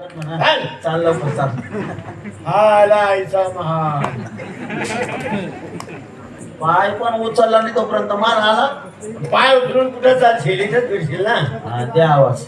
चाललं पण चाल. आला आईचा महान. पाय पण उचलला नाही तोपर्यंत मार आला. पाय उचलून कुठं चालशील? इथंच फिरशील ना. हा, द्या आवाज.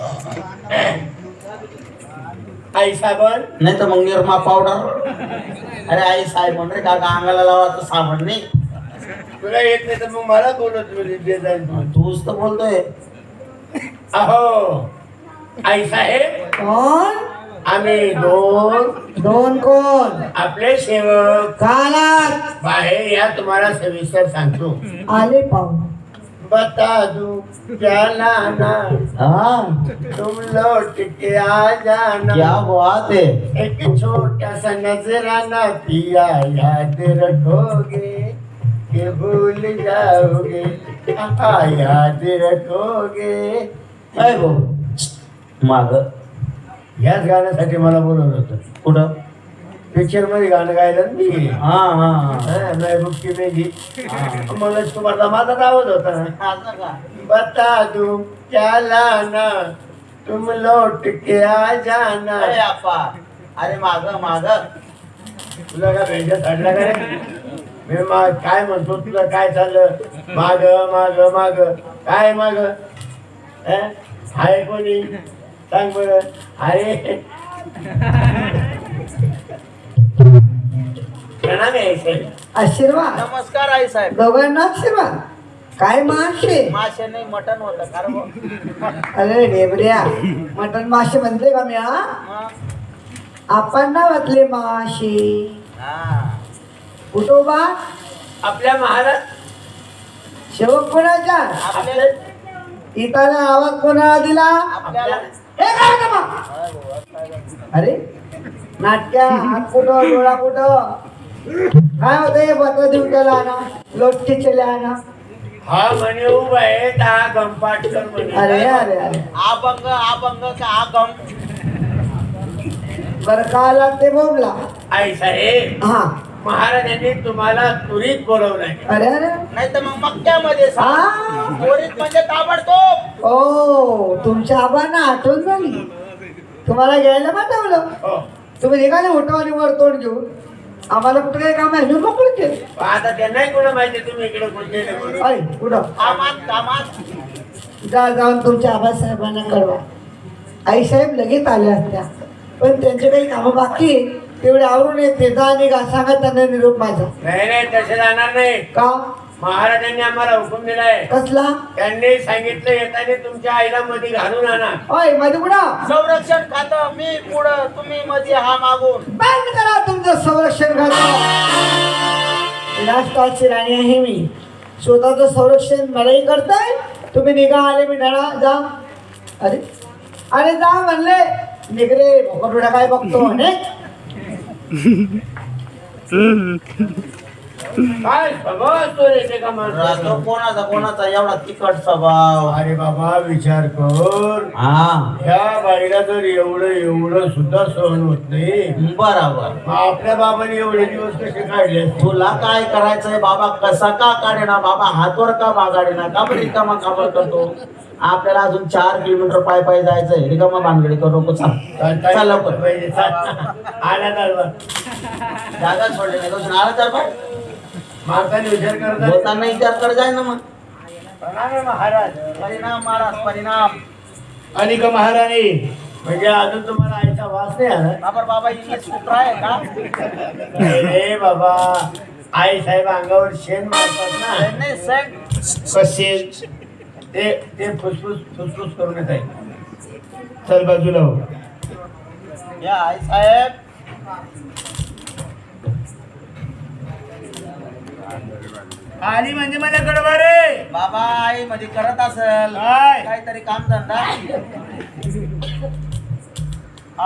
आई साबण नाही तर मग निरमा पावडर. अरे आई साहेब म्हण रे, का अंगाला लावायचं साबण नाही. तुला येत नाही तर मग मला बोलत तूच तर बोलतोय. अहो आई साहेब, कोण? आम्ही दोन कोण? आपले सेवक कानात बाहेर या, तुम्हाला सविस्तर सांगतो. आले पाहू. बता दूं क्या लाना, हाँ, तुम लौट के आ जाना. क्या बात है. एक छोटा सा नजराना पिया, याद रखोगे कि भूल जाओगे. याद रखोगे. काय भाऊ माग याच गाण्यासाठी मला बोलवलं होतं. कुठं? पिक्चर मध्ये गाणं गायलं ना मी. हा हा महबूब की मेघी. मला तुम्हाला माझाच आवाज होता ना. हा. बता दूं क्या लाना, तुम लौट के आ जाना. अरे आपा, अरे माग माग. तुला काय भेंड्या चढला का रे? मी काय म्हणतो, तुला काय चाललं? माग माग माग काय माग? हाय कोणी सांग बर. अरे प्रणाम आहे साहेब. आशीर्वाद. नमस्कार आई साहेब. दोघांना आशीर्वाद. काय मासे? मासे नाही, मटन होतं. कारण अरे डेबऱ्या, मटन मासे म्हणते का मी? आपण ना वाचले माशी. कुटोबा आपल्या महाराज शेवक कोणाच्या? आपल्या इथं आवाज कोणाला दिला? आपल्याला हे काय का मग? अरे नाटक्या हात कुठं डोळा कुठं काय होतं? हे पत्र देऊन त्याला ना लोटके चले ना. हा म्हणे उभा आहे, हा गंपाटकर म्हणे. अरे अरे अरे अभंग अभंग का आगम. बरं का आला ते बोलला. आई साहेब, हा. महाराजांनी तुम्हाला त्वरित बोलवलंय. अरे अरे नाही तर मग मक्क्यामध्ये हा. त्वरित म्हणजे ताबडतोब. ओ, तुमच्या आबांना आठवण झाली. तुम्हाला घ्यायला पाठवलं. हो. तुम्ही निघाले उठवानी वर तोंड घेऊन. आम्हाला कुठं काही काम आहे? मी मोकळं केलं. आता त्यांनाही कोणा माहिती तुम्ही इकडे कोणते अरे कुठं? कामात कामात. जा जाऊन तुमच्या आबासाहेबांना कळवा. आईसाहेब लगेच आल्या असत्या, पण त्यांचे काही कामं बाकी आहे, तेवढे आवरून येते. जा आणि सांगा त्यांना निरोप माझा. नाही नाही, तसे जाणार नाही. का? महाराजांनी आम्हाला हुकूम दिलाय. कसला? त्यांनी सांगितलं येताना तुमच्या आईला मध्ये घालून आणा. ओय मध्ये कुठं? संरक्षण खातं मी पुढं, तुम्ही मध्ये हा मागून. बंद करा तुमचं संरक्षण खातं. राष्ट्राची राणी आहे मी. स्वतःचं संरक्षण मलाही करताय. तुम्ही निघा आले मी धडा जा. अरे अरे जा म्हणले निघरे भोकरडा काय बघतो म्हणे. काय स्वभाव असतो रे ते का माणसाचा? कोणाचा कोणाचा एवढा तिखट स्वभाव. अरे बाबा विचार कर. हा ह्या बाईला जर एवढं एवढं सुद्धा सहन होत नाही, बरोबर. मग आपल्या बाबाने एवढे दिवस कसे काढले? तुला काय करायचंय बाबा? कसा का काढेना बाबा? हातवर का बागाडेना? का बरं रिकामा काबर करतो? आपल्याला अजून 4 किलोमीटर पाय पाय जायचंय. रिकामा भानगडी करू नको. चल लवकर. आल्या तर जागा सोडले नाही दोन आला तर पण माणसाने विचार करतात. बोलताना विचार कर जाय ना. मग महाराज परिणाम महाराज परिणाम. आणि का महाराणी म्हणजे अजून तुम्हाला आईचा वास नाही आला? बाबर बाबा इंग्लिश कुत्रा आहे का? रे बाबा, आई साहेब अंगावर शेण मारतात ना. नाही सेंट कसे ते फुसफुस फुसफुस करून येत आहे. चल बाजूला हो. या आई साहेब. आली म्हणजे मला कडवा रे. बाबा आई मध्ये करत असेल काय? काहीतरी काम धंदा.